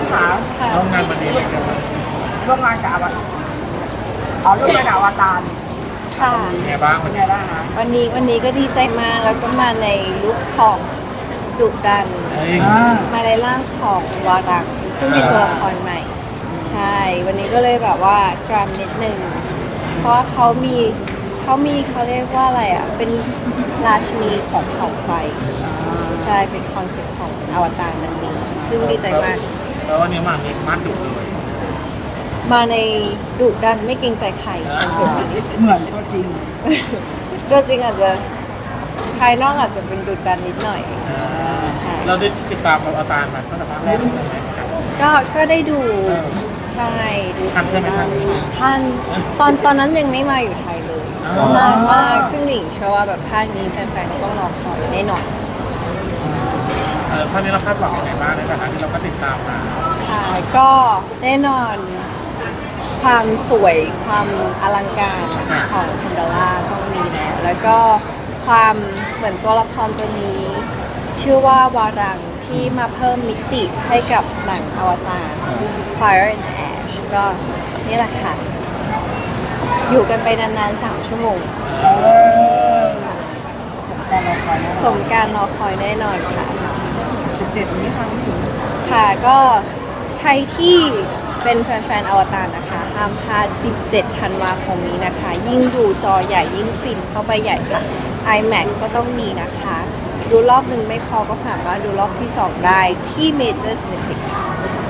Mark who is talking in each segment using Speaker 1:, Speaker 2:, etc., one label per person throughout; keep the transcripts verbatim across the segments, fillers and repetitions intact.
Speaker 1: ขา
Speaker 2: ค่ะ
Speaker 3: ร่วมงานวันนี้เป็นไงบ้าง
Speaker 1: ร่วมงานกับอวตารอ๋อร่วมงานกับอวตาร
Speaker 2: ค่ะ
Speaker 3: เป็นไงบ้าง
Speaker 1: เป็นไงบ้างคะ
Speaker 2: วันนี้วันนี้ก็ดีใจมากแล้วก็มาในลุคของดุดัน
Speaker 3: เฮ้ย
Speaker 1: อ่า
Speaker 2: มาในร่างของวารักซึ่งเป็นตัวละครใหม่ ใช่ วันนี้ก็เลยแบบว่ากรามนิดนึง เพราะว่าเขามีเขามีเขาเรียกว่าอะไรอ่ะ เป็นราชินีของเผ่าไฟ ใช่ เป็นคอนเซ็ปต์ของอวตารมันนี้ ซึ่งดีใจมาก
Speaker 3: แล้ววันนี้มามีมัดดุเลย
Speaker 2: มาในดุดันไม่เกรงใจใครคอนเซ็ปต์นี้
Speaker 1: เหมือนตัวจริง
Speaker 2: ตัวจริงอาจจะภายนอกอาจจะเป็นดุดันนิดหน่อย ใช่
Speaker 3: เราได้ติดตามเอาตารมาตั้งแต่ภาคแรกเลยไหมครับ
Speaker 2: ก็ก็ได้ดู
Speaker 3: เออ
Speaker 2: ใช่ดู
Speaker 3: ทันใช่ไหมทัน
Speaker 2: ทันตอนตอนนั้นยังไม่มาอยู่ไทยเลย
Speaker 3: อ๋อ
Speaker 2: นานมากซึ่งหลิงเชื่อว่าแบบภาคนี้แฟนๆต้องรอคอยแน่นอน
Speaker 3: เออภาคนี้เราคาดหวังยังไงบ้างในฐานะที่เราก็ติดตามมา
Speaker 2: ค่ะก็แน่นอนความสวยความอลังการของคันดาร่าต้องมีแล้วแล้วก็ความเหมือนตัวละครตัวนี้ ชื่อว่าวารังที่มาเพิ่มมิติให้กับหนังอวตาร Fire and Ash ก็นี่แหละค่ะ อยู่กันไปนานๆ สาม ชั่วโมง
Speaker 1: เออสมการรอคอยนะ
Speaker 2: สมการรอคอยแน่นอนค่ะ
Speaker 1: สิบเจ็ดนี้ค่ะพี่หญิง
Speaker 2: ค่ะก็ใครที่เป็นแฟนๆอวตารนะคะห้ามพลาด สิบเจ็ด ธันวาคมนี้นะคะ ยิ่งดูจอใหญ่ยิ่งฟินเข้าไปใหญ่ค่ะ iMac ก็ต้องมีนะคะ ดูรอบหนึ่งไม่พอก็สามารถดูรอบที่สองได้ที่ Major Cineplex ค่ะ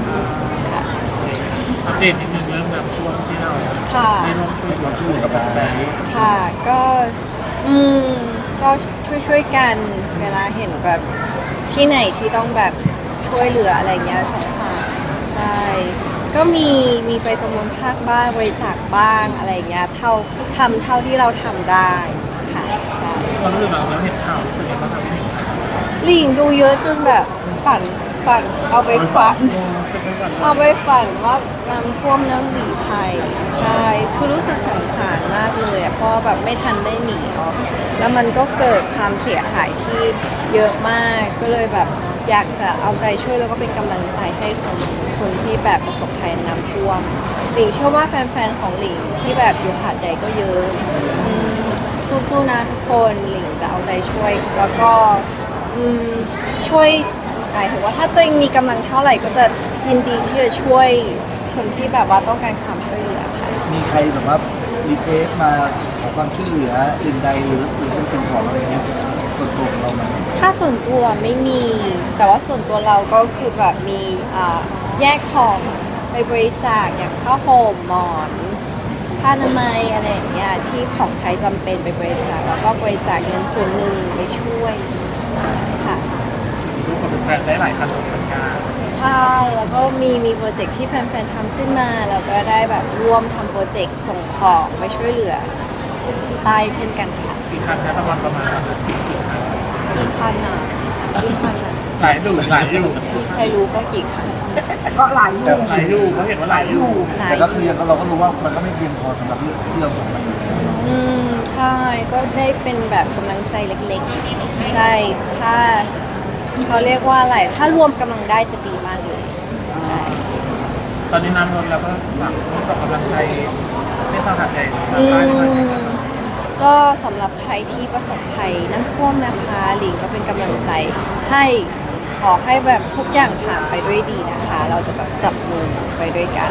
Speaker 3: อัปเดตนิดนึงเรื่องแบบช่วงที่เรา
Speaker 2: ค่ะ
Speaker 3: ที่ร่วมช่วยร่วมช่วยกับแฟนๆ
Speaker 2: ค่ะก็อืมก็ช่วยช่วยๆกันเวลาเห็นแบบที่ไหนที่ต้องแบบช่วยเหลืออะไรเงี้ยสงสารใช่ก็มีมีไปประมูลภาคบ้างบริจาคบ้างอะไรเงี้ยเท่าทำเท่าที่เราทำได้ค่ะใช่
Speaker 3: เรารู้สึกแบบเราเห็นข่าวรู้สึกยังไงบ้างครับพี่หนิง
Speaker 2: หลิงดูเยอะจนแบบฝันฝันเอาไปฝัน
Speaker 3: จะเป็นแบบ
Speaker 2: เอาไปฝันว่าน้ำท่วมน้ำหลีไทยใช่คือรู้สึกสงสารมากเลยอะเพราะแบบไม่ทันได้หนีออกแล้วมันก็เกิดความเสียหายที่เยอะมาก ก็เลยแบบอยากจะเอาใจช่วยแล้วก็เป็นกำลังใจให้คนคนที่แบบประสบภัยน้ำท่วมหลิงเชื่อว่าแฟนๆของหลิงที่แบบอยู่หาดใหญ่ก็เยอะอืมสู้ๆนะทุกคนหลิงจะเอาใจช่วยแล้วก็อืมช่วยหมายถึงว่าถ้าตัวเองมีกำลังเท่าไหร่ก็จะยินดีที่จะช่วยคนที่แบบว่าต้องการความช่วยเหลือค่ะ
Speaker 4: มีใครแบบว่ารีเควสมาขอความช่วยเหลืออื่นใดหรือหรือเป็นสิ่งของอะไรเงี้ยส่วนตัวของเราไหม
Speaker 2: ถ้าส่วนตัวไม่มี แต่ว่าส่วนตัวเราก็คือแบบมีอ่าแยกของไปบริจาคอย่างผ้าห่มหมอนผ้าอนามัยอะไรอย่างเงี้ยที่ของใช้จำเป็นไปบริจาคแล้วก็บริจาคเงินส่วนหนึ่งไปช่วยค่ะ
Speaker 3: รู้กับแฟนๆได้หลายคันเหมือนกัน
Speaker 2: ใช่แล้วก็มีมีโปรเจกต์ที่แฟนๆทำขึ้นมา แล้วก็ได้แบบร่วมทำโปรเจกต์ส่งของไปช่วยเหลือที่ใต้เช่นกันค่ะ
Speaker 3: กี่คันนะประมาณประมาณ
Speaker 2: กี่คันอ่ะกี่คันอ่ะ
Speaker 3: หลายดูหลายอยู่
Speaker 2: มีใครรู้ก็กี่คัน
Speaker 1: ก็หลายอยู่
Speaker 3: หลายอยู่เขาเห็นว่าหลายอยู่
Speaker 2: ไหน
Speaker 4: แต่ก็คือยังเราก็รู้ว่ามันก็ไม่เพียงพอสำหรับเรื่องเรื่องของมันอยู่แล้ว
Speaker 2: อืมใช่ก็ได้เป็นแบบกำลังใจเล็กๆ ใช่ถ้าเขาเรียกว่าอะไร ถ้ารวมกำลังได้จะดีมากเลยใช่
Speaker 3: ตอนนี้น้ำลดแล้วก็ฝากส่งกำลังใจให้ชาวหาดใหญ่ชาว
Speaker 2: อื
Speaker 3: ใต้ด้วย
Speaker 2: มก็สำหรับใครที่ประสบภัยน้ำท่วมนะคะหลิงก็เป็นกำลังใจให้ขอให้แบบทุกอย่างผ่านไปด้วยดีนะคะ เราจะแบบจับมือไปด้วยกัน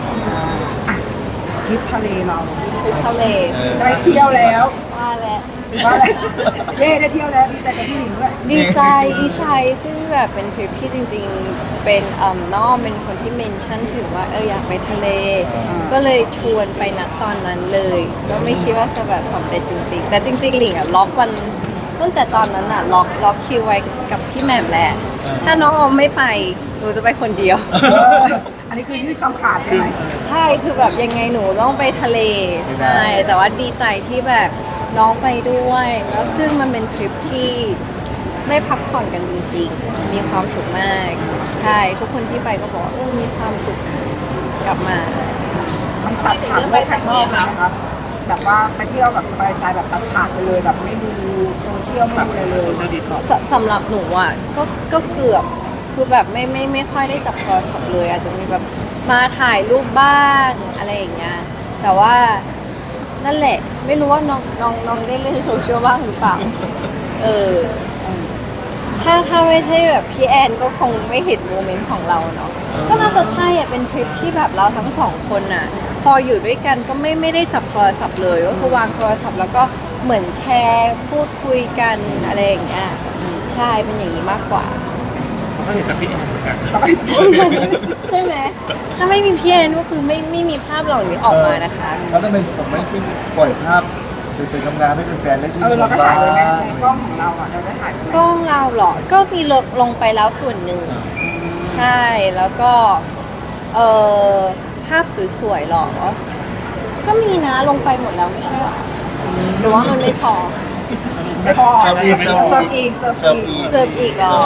Speaker 1: ทริปทะเลเรา
Speaker 2: ทุกทะเล
Speaker 1: ได้เที่ยวแล้ว
Speaker 2: ว่าแล้ว
Speaker 1: ว่าอะไรเย่ได้เที่ยวแล้วดีใจกับพี่หญิงด้วย
Speaker 2: ดีใจดีใจซึ่งแบบเป็นทริปที่จริงๆ เป็นเอ่อน้องเป็นคนที่เมนชั่นถึงว่าเอออยากไปทะเล ก็เลยชวนไปณตอนนั้นเลย ก็ไม่คิดว่าจะแบบสำเร็จจริงๆ แต่จริงๆหลิงอะล็อกวันตั้งแต่ตอนนั้นอะล็อกล็อกคิวไว้กับพี่แหม่มแหละถ้าน้องออมไม่ไปหนูจะไปคนเดียว
Speaker 1: อันนี้คือยืดคำขาดใช่ไหม
Speaker 2: ใช่คือแบบยังไงหนูต้องไปทะเลใช่แต่ว่าดีใจที่แบบน้องไปด้วย แล้วซึ่งมันเป็นทริปที่ได้พักผ่อนกันจริงๆ มีความสุขมาก ใช่ทุกคนที่ไปก็บอกว่าเออมีความสุขกลับมา
Speaker 1: มันตัดขาดด้วยข้างนอกนะครับ แบบว่าไปเที่ยวแบบสบายใจแบบตัดขาดไปเลยแบบไม่ดูโซเชียลไม่
Speaker 3: แบบ
Speaker 1: ดูอะไรเลย
Speaker 3: โซเชียลดีท็อก
Speaker 2: สสำหรับหนูอ่ะก็ก็เกือบคือแบบไม่ไม่ไม่ค่อยได้จับโทรศัพท์เลย อาจจะมีแบบมาถ่ายรูปบ้างอะไรอย่างเงี้ยแต่ว่านั่นแหละไม่รู้ว่าน้องน้องน้องได้เล่นโซเชียลบ้างหรือเปล่าเออถ้าถ้าไม่ใช่แบบพี่แอนก็คงไม่เห็นโมเมนต์ของเราเนาะก็น่าจะใช่อ่ะเป็นทริปที่แบบเราทั้งสองคนน่ะ พออยู่ด้วยกันก็ไม่ไม่ได้จับโทรศัพท์เลยก็คือวางโทรศัพท์แล้วก็เหมือนแชร์พูดคุยกันอะไรอย่างเงี้ยใช่เป็นอย่างนี้มากกว่า
Speaker 3: ก็เห็นจากพี่แอนเหมือนกัน
Speaker 2: ใช่ไหมถ้าไม่มีพี่แอนก็คือไม่ไม่มีภาพเหล่านี้ออกมานะคะ
Speaker 4: แล้วทำไมผมไม่ขึ้นปล่อยภาพสวยๆงามๆให้แฟนๆได้ชื่น
Speaker 1: เอ
Speaker 4: ช
Speaker 1: อเรา
Speaker 4: ม
Speaker 1: ก็
Speaker 4: บ้า
Speaker 1: ถ่ายไว้ไหม
Speaker 4: ง
Speaker 1: ในกล้องของเราอ่ะเราได้ถ่ายไว้ไหม
Speaker 2: กล้องเราเหรอ ก็มีลดลงไปแล้วส่วนหนึ่ง ใช่ แล้วก็ เอ่อ ภาพสวยๆหรอ ก็มีนะลงไปหมดแล้วไม่ใช่หรอหรือว่ามันไม่พอ
Speaker 1: ไม่พอ
Speaker 4: เสิร์ฟอีก
Speaker 1: เสิร์ฟอีกเสิร์ฟ
Speaker 4: เสิร์ฟ
Speaker 1: อี
Speaker 4: อี
Speaker 1: ก
Speaker 4: ก
Speaker 2: เสิร์ฟอีกเหรอ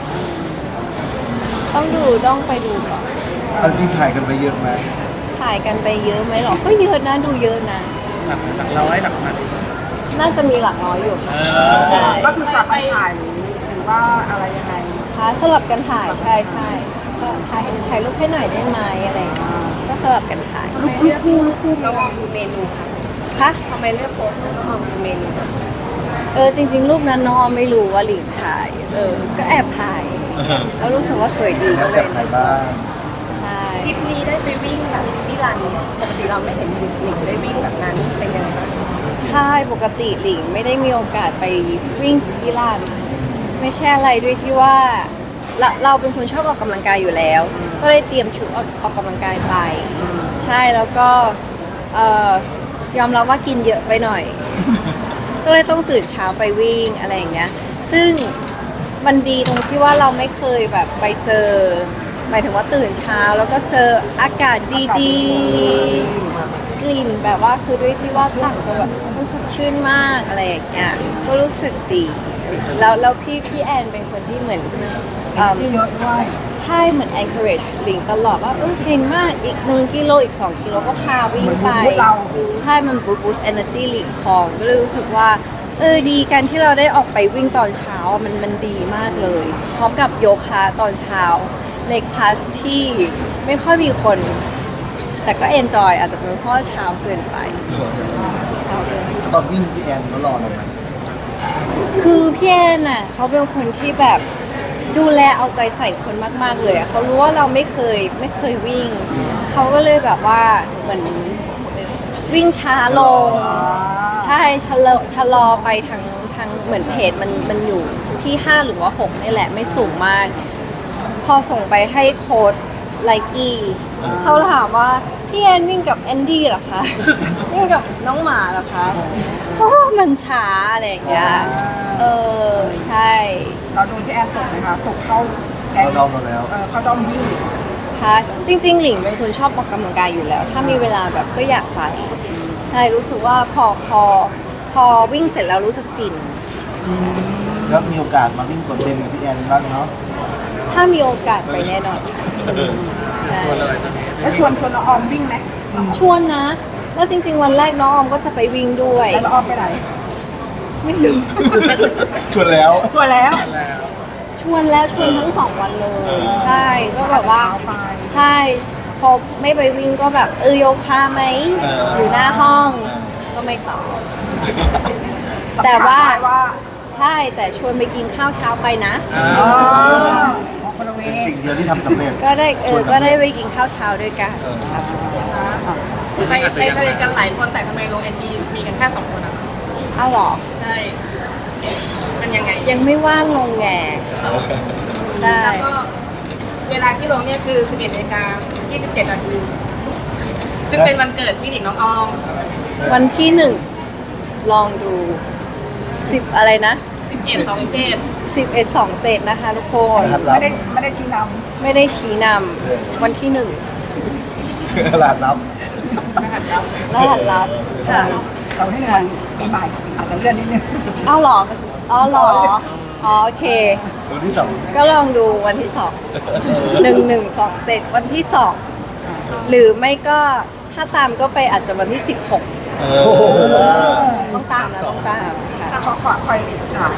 Speaker 2: ต้องดูต้องไปดูก่อน
Speaker 4: เอาจริงถ่ายกันไปเยอะไหม
Speaker 2: ถ่ายกันไปเยอะไหมหรอ ก็เยอะนะดูเยอะนะ
Speaker 3: หลักหลักร้อยหลักพัน
Speaker 2: น่าจะมีหลักน้อยอยู่
Speaker 3: เอ
Speaker 2: ค่ะ
Speaker 3: อ
Speaker 1: ก็คือสับไปถ่ายหรือหรือว่าอะไรยังไง
Speaker 2: ค่ะสลับกันถ่ายใช่ใช่ก็ถ่ายถ่ายรูปให้หน่อยได้ไหมอะไรอย่างเงี้ยก็สลับกันถ่าย
Speaker 1: ลูกลูกคู่ลูกคู่
Speaker 5: น้องออมดูเมนูค่ะ
Speaker 2: คะ
Speaker 5: ทำไมเลือกโพสต์น้องออมดูเมนู
Speaker 2: เออจริง ๆ รูปนั้นน้องไม่รู้ว่าหลิงถ่าย เออ ก็แอบถ่าย แล้วรู้สึกว่าสวยดี
Speaker 4: แล้
Speaker 2: ก็
Speaker 4: ว
Speaker 2: เล
Speaker 4: แบบ
Speaker 2: ย
Speaker 4: ถ่ายบ้าง
Speaker 2: ใช่
Speaker 5: ทริปนี้ได้ไปวิ่งแบบซิตี้รันปกติเราไม่เห็นหลิงได้วิ่งแบบนั้นเป็นยังไงบ้าง
Speaker 2: ใช่ปกติหลิงไม่ได้มีโอกาสไปวิ่งสกีลานไม่ใช่อะไรด้วยที่ว่าเราเราเป็นคนชอบออกกำลังกายอยู่แล้ว ก็เลยเตรียมชุดออกออกกำลังกายไป ใช่แล้วก็เอ่อยอมรับว่ากินเยอะไปหน่อย ก็เลยต้องตื่นเช้าไปวิ่งอะไรอย่างเงี้ย ซึ่งมันดีตรงที่ว่าเราไม่เคยแบบไปเจอ หมายถึงว่าตื่นเช้าแล้วก็เจออากาศดีๆ กลิ่นแบบว่าคือด้วยที่ว่าต่างจังหวัดมันสดชื่นมากอะไรอย่างเงี้ย ก็รู้สึกดี แล้วแล้วพี่พี่แอนเป็นคนที่เหมือนเอิ่ม
Speaker 1: ที่เยอะด้วย
Speaker 2: ใช่เหมือน encourage หลิงตลอดว่าเออเก่งมากอีกหนึ่งกิโลอีกสองกิโลก็พาวิ่งไป
Speaker 1: เหมือนบูสต์เรา
Speaker 2: ใช่มัน boost energy หลิงของก็เลยรู้สึกว่าเออดีกันที่เราได้ออกไปวิ่งตอนเช้าอะมันมันดีมากเลยพร้อมกับโยคะตอนเช้า ในคลาสที่ไม่ค่อยมีคน แต่ก็ enjoy อาจจะเป็นเพราะเช้าเกินไปเช้าเกินไป
Speaker 4: ตอนวิ่งพี่แอนเขารอเราไหม
Speaker 2: คือพี่แอนน่ะเขาเป็นคนที่แบบดูแลเอาใจใส่คนมาก ๆ เลยอะเขารู้ว่าเราไม่เคยไม่เคยวิ่ง เขาก็เลยแบบว่าเหมือนวิ่งช้าลง ใช่ชะลอชะลอไปทางทางเหมือนเพจมันมันอยู่ที่ห้าหรือว่าหกนี่แหละไม่สูงมาก พอส่งไปให้โค้ดไลกี้เขาถามว่าพี่แอนวิ่งกับแอนดี้เหรอคะ วิ่งกับน้องหมาเหรอคะเพราะว่ามันช้าอะไรอย่างเงี้ยเออใช่
Speaker 1: เราโดนพี่แอนตกไหมคะตกเข้าแก๊ง
Speaker 4: เขาดองเราแล้ว
Speaker 1: เออเข้าด้อมวิ่ง
Speaker 2: ค่ะจริง ๆ หลิงเป็นคนชอบออกกำลังกายอยู่แล้ว ถ้ามีเวลาแบบก็อยากไปใช่รู้สึกว่าพอพอพอวิ่งเสร็จแล้วรู้สึกฟิน
Speaker 4: แล้วมีโอกาสมาวิ่งสวนเต็มกับพี่แอนบ้างเนาะ
Speaker 2: ถ้ามีโอกาสไปแน่นอนใช่
Speaker 3: ตัวเลยตอนนี้
Speaker 1: แล้วชวนชวนน้องออมวิ่งไหม
Speaker 2: ชวนนะ แล้วจริง ๆ วันแรกน้องออมก็จะไปวิ่งด้วย
Speaker 1: แล้วน้องออมไปไหน
Speaker 2: ไม่รู้
Speaker 4: ชวนแล้ว
Speaker 1: ชวนแล้ว
Speaker 3: แล้ว
Speaker 2: ชวนแล้วชวนทั้งสองวันเลย ใช่ก็แบบว่า
Speaker 1: เช้ไป
Speaker 2: ใช่ พอไม่ไปวิ่งก็แบบเออโยคะไหม
Speaker 4: เออ
Speaker 2: อยู่หน้าห้องก็ไม่ตอบ แต่ว่า
Speaker 1: สัมผัสได้ว่า
Speaker 2: ใช่แต่ชวนไปกินข้าวเช้าไปนะ
Speaker 3: อ่า
Speaker 1: อ๋อออกคนละเว
Speaker 4: เป็น
Speaker 1: ย์
Speaker 4: สิ่งเดียวที่ทำสำเร็จ
Speaker 2: ก็ได้เอ
Speaker 4: ชว
Speaker 2: อน
Speaker 4: กัน
Speaker 2: ก็ได้ไปกินข้าวเช้าด้วยกัน
Speaker 4: เออ
Speaker 2: ครับ
Speaker 5: ไปไปสนิทกันหลายคนแต่ทำไมลงไอจีมีกันแค่สองคนอะ
Speaker 2: อ้าวเหรอ
Speaker 5: ใช่ มันยังไง
Speaker 2: ยังไม่ว่างลงแงได้
Speaker 5: แล้วก็เวลาที่ลงเนี่ยคือสิบเอ็ดนาฬิกายี่สิบเจ็ดนาทีซึ่งเป็นวันเกิดพี่หนิงน้องออม
Speaker 2: วันที่หนึ่งลองดูสิบอะไรนะ
Speaker 5: สิบเอ็ดสองเจ็ด
Speaker 2: สิบเอ็ดสองเจ็ดนะคะทุกคน
Speaker 4: ครับ
Speaker 1: ไม่ได้ไม่ได้ชี้น
Speaker 2: ไม่ได้ชี้นำวันที่หนึ่ง
Speaker 4: ตลาดนับ
Speaker 2: รหัสลับค่ะ
Speaker 1: ำเราให้เงินปีใหม่อาจจะเลื่อนนิดนึง
Speaker 2: อ้าวเหรออ๋อเหรออ๋อโอเค
Speaker 4: วันที่สอง
Speaker 2: ก็ลองดูวันที่สองหนึ่งหนึ่งสองเจ็ดวันที่สองหรือไม่ก็ถ้าตามก็ไปอาจจะวันที่สิบหก
Speaker 4: เออ
Speaker 2: ต้องตามนะต้องตามค่ะ
Speaker 1: ถ้าเขาขอคอยค่ะมี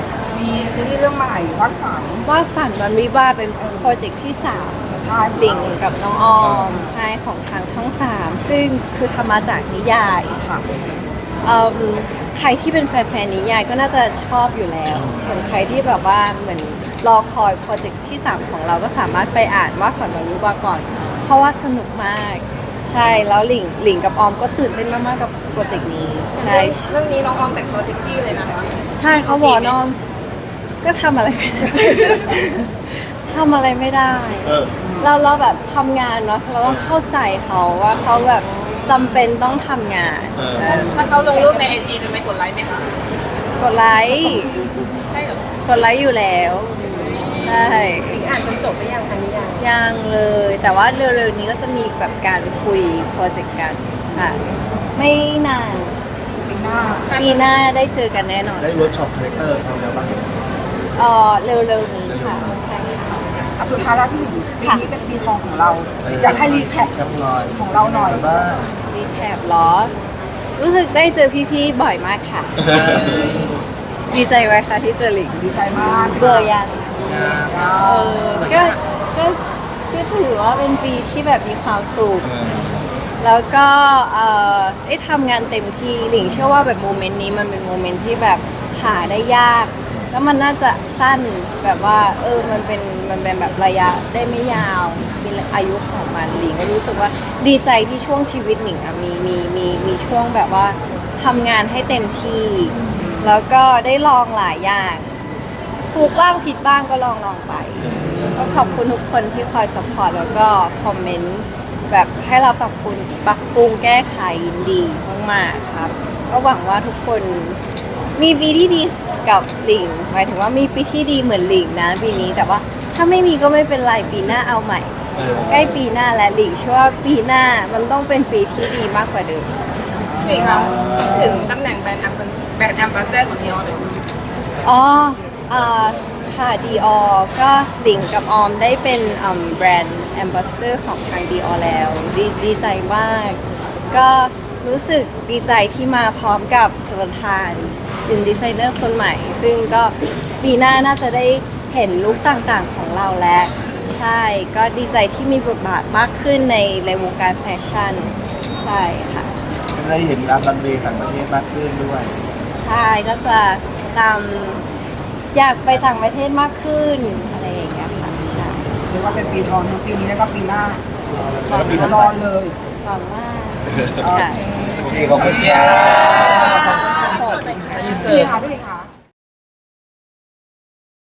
Speaker 1: มีซีรีส์เรื่องใหม่วาดฝัน
Speaker 2: ว่าฝันวันวิวาห์เป็นโปรเจกต์ที่สาม
Speaker 1: ใช่
Speaker 2: หลิงกับน้องออมใช่ของทางช่องสามซึ่งคือทำมาจากนิยาย
Speaker 1: ค่ะ
Speaker 2: เอิ่มใครที่เป็นแฟนๆนิยายก็น่าจะชอบอยู่แล้ว ส่วนใครที่แบบว่าเหมือนรอคอยโปรเจกต์ที่สามของเราก็สามารถไปอ่านว่าฝันวันวิวาห์ก่อน เพราะว่าสนุกมาก ใช่แล้วหลิงหลิงกับออมก็ตื่นเต้นมากๆกับโปรเจกต์นี้ใช่
Speaker 5: เรื่องนี้น้องออมแต่งตัวเซ็กซี่เลยนะคะ
Speaker 2: ใช่เขาบอกน้องก็ทำอะไรไม่ได้ ทำอะไรไม่ได้
Speaker 4: เออ
Speaker 2: เราเราแบบทำงานเนาะเราต้องเข้าใจเขาว่าเขาแบบจำเป็นต้องทำงาน
Speaker 4: เออ
Speaker 2: เออ
Speaker 5: ถ้าเขาลงรูปในไอจีจะไม่กดไลค์ไหมคะ
Speaker 2: กดไลค์
Speaker 5: ใช่เหรอก
Speaker 2: ดไลค์อยู่แล้วใช่
Speaker 5: อ่านจนจบไปยังคะนี่ยัง
Speaker 2: ยังเลย แต่ว่าเร็วๆนี้ก็จะมีแบบการคุยโปรเจกต์กันค่ะไม่นาน
Speaker 1: ปีหน้า
Speaker 2: ปีหน้าได้เจอกันแน่นอน
Speaker 4: ได้เวิร์กช็อปคาแรคเตอร์เขาแล้วบ้าง
Speaker 2: เออเร็วๆนี้ค่ะใช่ค่ะ
Speaker 1: อ่ะสุดท้ายแล้วพี่หลิงปี
Speaker 2: ค่ะ
Speaker 1: นี้เป็นปีทองของเรา อยากให้รีแคป
Speaker 4: กับหน่อย
Speaker 1: ของเราหน่อย
Speaker 4: บ้าง
Speaker 2: รีแคปเหรอ รู้สึกได้เจอพี่ๆบ่อยมากค่ะ ดีใจไว้ค่ะที่เจอหลิง
Speaker 1: ดีใจมาก
Speaker 2: เบื่อยัง
Speaker 1: เอ
Speaker 2: เอ
Speaker 1: อ
Speaker 2: อก็ก็ก็ถือว่าเป็นปีที่แบบมีความสุข
Speaker 4: เออ
Speaker 2: แล้วก็เอ่อได้ทำงานเต็มที่หลิงเชื่อว่าแบบโมเมนต์นี้มันเป็นโมเมนต์ที่แบบหาได้ยาก แล้วมันน่าจะสั้นแบบว่าเออมันเป็นมันเป็นแบบระยะได้ไม่ยาวมีอายุของมันหลิงก็รู้สึกว่าดีใจที่ช่วงชีวิตหลิงอะมีมีมีมีช่วงแบบว่าทำงานให้เต็มที่ แล้วก็ได้ลองหลายอย่างถูกบ้างผิดบ้างก็ลองลองไป ก็ขอบคุณทุกคนที่คอยสปอร์ตแล้วก็คอมเมนต์แบบให้เราปรับปรุงปรับปรุงแก้ไขยินดีมากๆครับ ก็หวังว่าทุกคนมีปีที่ดีกับหลิงหมายถึงว่ามีปีที่ดีเหมือนหลิงนะปีนี้แต่ว่าถ้าไม่มีก็ไม่เป็นไรปีหน้าเอาใหม่
Speaker 4: เออ
Speaker 2: ใกล้ปีหน้าและหลิงเชื่อว่าปีหน้ามันต้องเป็นปีที่ดีมากกว่าเดิม
Speaker 5: นี่คะถึงตำแหน่งแบรนด์แอมแบรนด์แอมบาสเดอร์ของนิออนเลย
Speaker 2: อ๋ออ่าค่ะดีออก็หลิงกับออมได้เป็นอืมแบรนด์แอมบาสเดอร์ของทางดีออแล้วดีดีใจมาก ก็รู้สึกดีใจที่มาพร้อมกับสุรทานเป็นดีไซเนอร์คนใหม่ ซึ่งก็ปีหน้าน่าจะได้เห็นลุคต่างๆของเราแล้ว ใช่ ก็ดีใจที่มีบทบาทมากขึ้นในในวงการแฟชั่น ใช่ค่ะ
Speaker 4: ได้เห็นการรันเวย์ต่างประเทศมากขึ้นด้วย
Speaker 2: ใช่ก็จะตามอยากไปต่างประเทศมากขึ้นอะไรอย่างเงี้ยค่ะใช่
Speaker 1: เรียกว่าเป็นปีทองทั้งปีนี้แล้วก็ปีหน้า
Speaker 4: แล้วก็ปีถัด
Speaker 1: ร
Speaker 4: ไป
Speaker 1: อเลย
Speaker 2: หวังว่า
Speaker 1: โอ
Speaker 2: ค่ะ
Speaker 1: เค
Speaker 4: โอเคขอบคุณค่ะ
Speaker 1: พี่ค่ะพี่ค่ะ